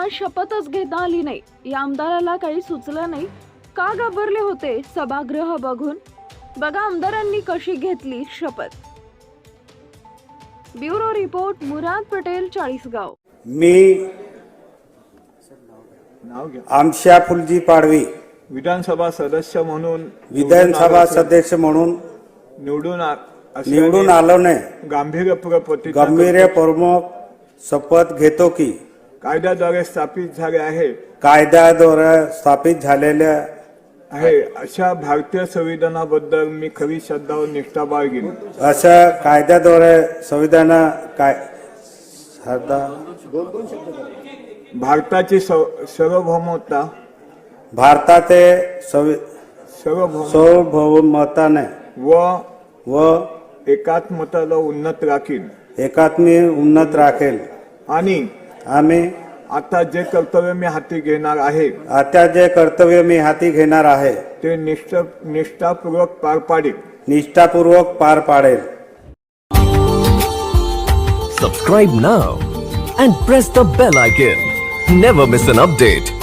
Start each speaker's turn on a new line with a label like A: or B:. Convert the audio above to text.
A: शपथच घेता आली नाही. या आमदाराला काही सुचलं नाही. का घाबरले होते सभागृह बघून? बघा आमदारांनी कशी घेतली शपथ. Bureau report, Murad Patel, Chalisgaon.
B: मी आमशा फुलजी पाडवी
C: विधानसभा सदस्य म्हणून
B: विधानसभा सदस्य म्हणून निवडून आलो नाही. गंभीरपूर्वक शपथ घेतो की
C: कायद्याद्वारे स्थापित झाले आहे
B: कायद्याद्वारे स्थापित झालेल्या
C: आहे अशा भारतीय संविधानाबद्दल मी खरी श्रद्धा व निष्ठा बाळगीन.
B: अशा कायद्याद्वारे संविधान
C: भारताची सार्वभौमता
B: भारताचे सार्वभौमताने व
C: एकात्मताला उन्नत राखीन
B: राखेल.
C: आणि
B: आम्ही
C: आता जे कर्तव्य मी हाती घेणार आहे ते निष्ठापूर्वक पार पाडेल.
D: Subscribe now and press the bell icon. Never miss an update.